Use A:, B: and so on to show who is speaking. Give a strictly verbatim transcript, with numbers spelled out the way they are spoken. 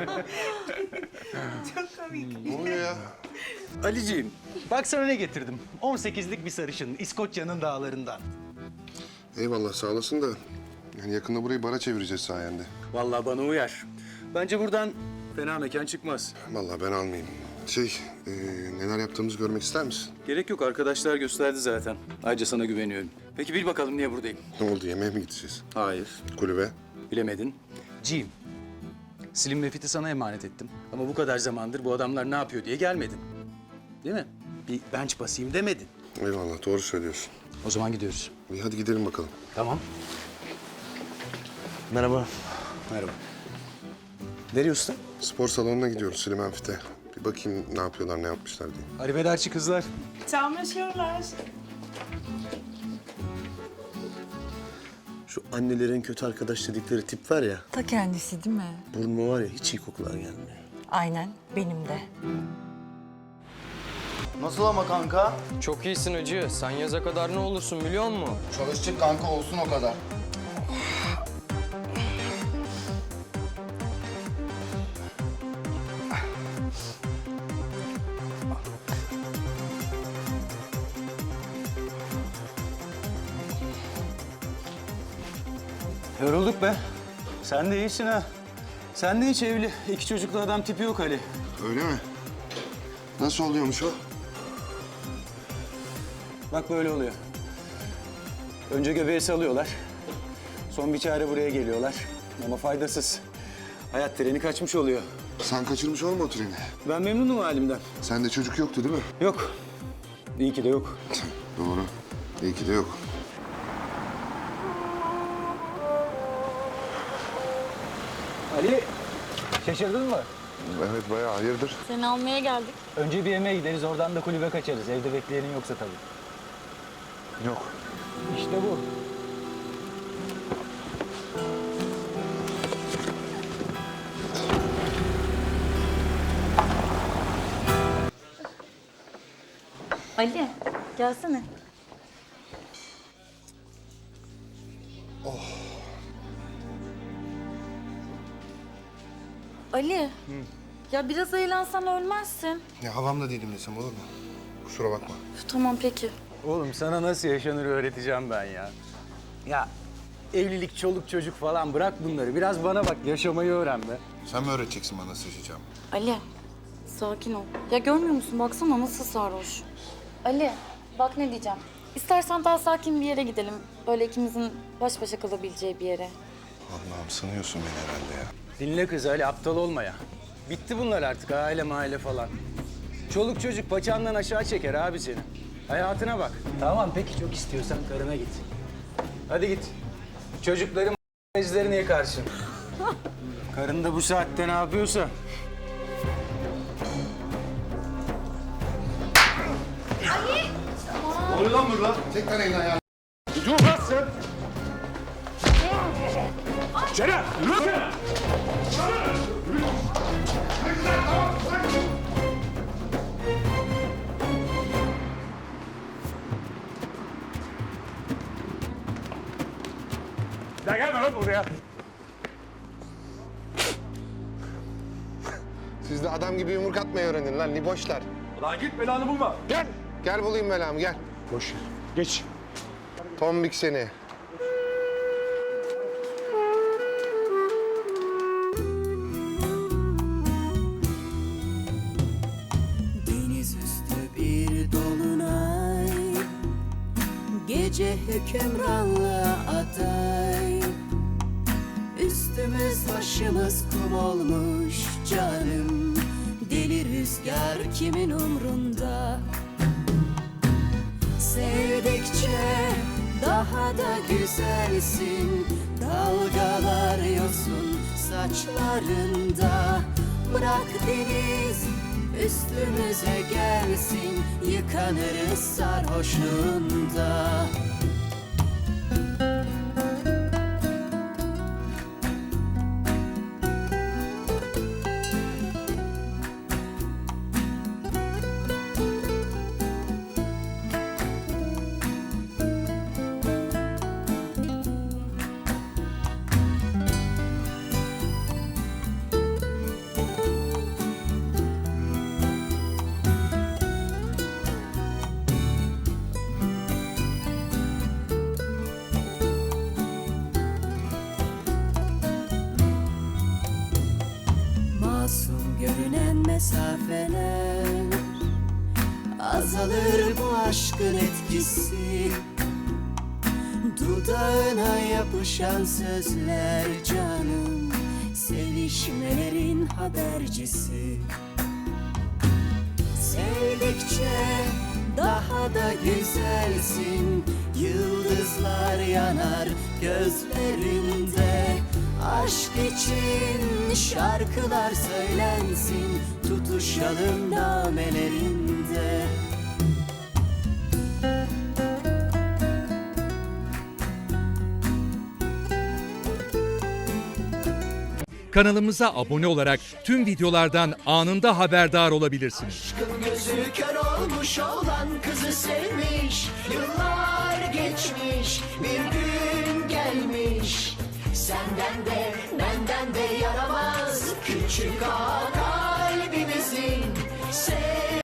A: Çok komik.
B: Ne oluyor ya?
C: Aliciğim, bak sana ne getirdim. on sekizlik bir sarışın, İskoçya'nın dağlarından.
B: Eyvallah sağ olasın da yani yakında burayı bara çevireceğiz sayende.
C: Vallahi bana uyar. Bence buradan fena mekan çıkmaz.
B: Vallahi ben almayayım. Şey, e, neler yaptığımızı görmek ister misin?
C: Gerek yok, arkadaşlar gösterdi zaten. Ayrıca sana güveniyorum. Peki bil bakalım niye buradayım?
B: Ne oldu, yemeğe mi gideceğiz?
C: Hayır.
B: Kulübe?
C: Bilemedin. Jim, Slim ve Fit'i sana emanet ettim. Ama bu kadar zamandır bu adamlar ne yapıyor diye gelmedin. Değil mi? Bir bench basayım demedin.
B: Eyvallah, doğru söylüyorsun.
C: O zaman gidiyoruz.
B: İyi hadi gidelim bakalım.
C: Tamam.
D: Merhaba.
C: Merhaba. Nereye usta?
B: Spor salonuna gidiyoruz Süleyman Fit'e. Bir bakayım ne yapıyorlar, ne yapmışlar diye.
C: Arrivederci kızlar.
A: Çamlaşıyorlar.
D: Şu annelerin kötü arkadaş dedikleri tip var ya,
E: Ta kendisi değil mi?
D: burnuma var ya hiç iyi kokular gelmiyor.
E: Aynen, benim de.
F: Nasıl ama kanka?
G: Çok iyisin hacı. Sen yaza kadar ne olursun biliyor musun?
F: Çalıştık kanka olsun o kadar.
C: Yorulduk be. Sen de iyisin ha. Sen de hiç evli, iki çocuklu adam tipi yok Ali.
B: Öyle mi? Nasıl oluyormuş o?
C: Bak böyle oluyor. Önce göbeği salıyorlar. Son bir çare buraya geliyorlar. Ama faydasız. Hayat treni kaçmış oluyor.
B: Sen kaçırmış olma o treni.
C: Ben memnunum halimden.
B: Sende çocuk yoktu değil mi?
C: Yok. İyi ki de yok.
B: Doğru. İyi ki de yok.
C: Ali, şaşırdın mı?
B: Evet bayağı hayırdır?
E: Seni almaya geldik.
C: Önce bir yemeğe gideriz, oradan da kulübe kaçarız. Evde bekleyenin yoksa tabii.
B: Yok.
C: İşte bu.
E: Ali, gelsene. Ali, ya biraz eğlensen ölmezsin.
B: Ya havamda değilim desem olur mu? Kusura bakma.
E: Üf, tamam peki.
C: Oğlum sana nasıl yaşanır öğreteceğim ben ya. Ya evlilik, çoluk çocuk falan bırak bunları. Biraz bana bak, yaşamayı öğren be.
B: Sen mi öğreteceksin bana nasıl yaşayacağımı?
E: Ali, sakin ol. Ya görmüyor musun? Baksana nasıl sarhoş. Ali, bak ne diyeceğim. İstersen daha sakin bir yere gidelim. Böyle ikimizin baş başa kalabileceği bir yere.
B: Allah'ım sanıyorsun beni herhalde ya.
C: Dinle kız Ali, aptal olma ya. Bitti bunlar artık, aile mahalle falan. Çoluk çocuk paçandan aşağı çeker abi seni. Hayatına bak. Tamam peki, çok istiyorsan karına git. Hadi git. Çocukların izlerini yıkarsın. Karın da bu saatte ne yapıyorsa.
B: Tek tane elini ayağını.
H: Ya gelme lan buraya.
B: Siz de adam gibi yumruk atmayı öğrenin lan liboşlar.
H: Lan git belanı bulma.
B: Gel. Gel bulayım belamı gel.
H: Boş ver. Geç.
B: Tombik seni.
I: Deniz üstü bir dolunay, gece hükümranlığa aday. Üstümüz başımız kum olmuş canım, deli rüzgar kimin umrunda? Sevdikçe daha da güzelsin, dalgalar yosun saçlarında. Bırak deniz üstümüze gelsin, yıkanırız sarhoşluğunda. masum görünen mesafeler. Azalır bu aşkın etkisi, dudağına yapışan sözler canım, sevişmelerin habercisi. Sevdikçe daha da güzelsin, yıldızlar yanar gözlerinde. Aşk için şarkılar söylensin, tutuşalım namelerinde.
J: Kanalımıza abone olarak tüm videolardan anında haberdar olabilirsiniz.
I: Aşkın gözü kör olmuş olan kızı sevmiş. Yıllar geçmiş, bir gün gelmiş. Senden de benden de yaramaz küçük ağa kalbimizin.